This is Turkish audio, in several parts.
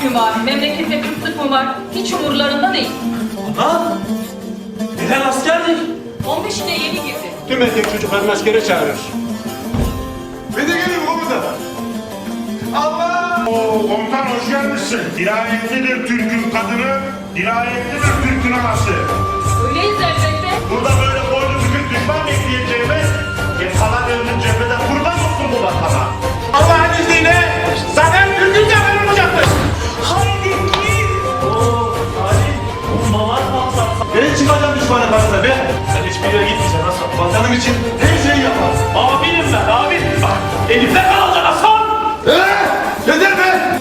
mü var, memlekette kıtlık mı var? Hiç umurlarında değil. Ana! Neden askerdir? 15'ine yeni girdi. Tüm erkek çocuklarını askere çağırır. Bir de gelin komutan. Allah! Oo, komutan hoş gelmişsin. Dirayetlidir Türk'ün kadını, dirayetlidir Türk'ün anası. Öyleyiz elbette. Burada böyle boynu bükük düşman bekleyeceğime, kalan ömrün cephede kurban olsun bu vatana. Allah'ın izniyle zaten Türk'ün zafer olacaktır. Haydi git! Oo, Ali, bombalar patlar. Ben çıkacağım düşmanın karşısına be. Sen hiçbir yere gitmeyeceksin Hasan. Vatanım için her şeyi yapar. Abinim ben, abin. Bak, elimde kalacak Hasan! Yeter be!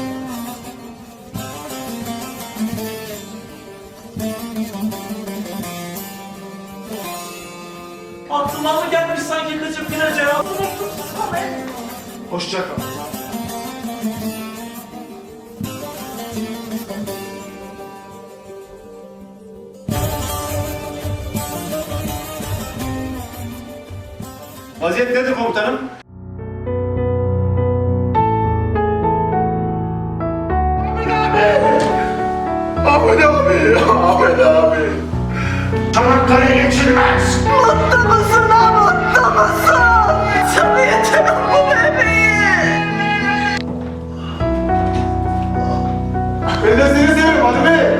Aklıma mı gelmiş sanki kaçıp gideceğim? Hoşça kal. Vaziyet nedir komutanım? Ahmet abi! Ahmet abi! Çanakkale geçilmez. Mutlu musun ha, mutlu musun? Sana yeter bu bebeğim. Ben de seni seviyorum Ali Bey.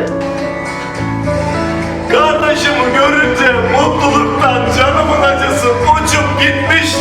Kardeşimi görünce mutluluktan canımın acısı uçup gitmiş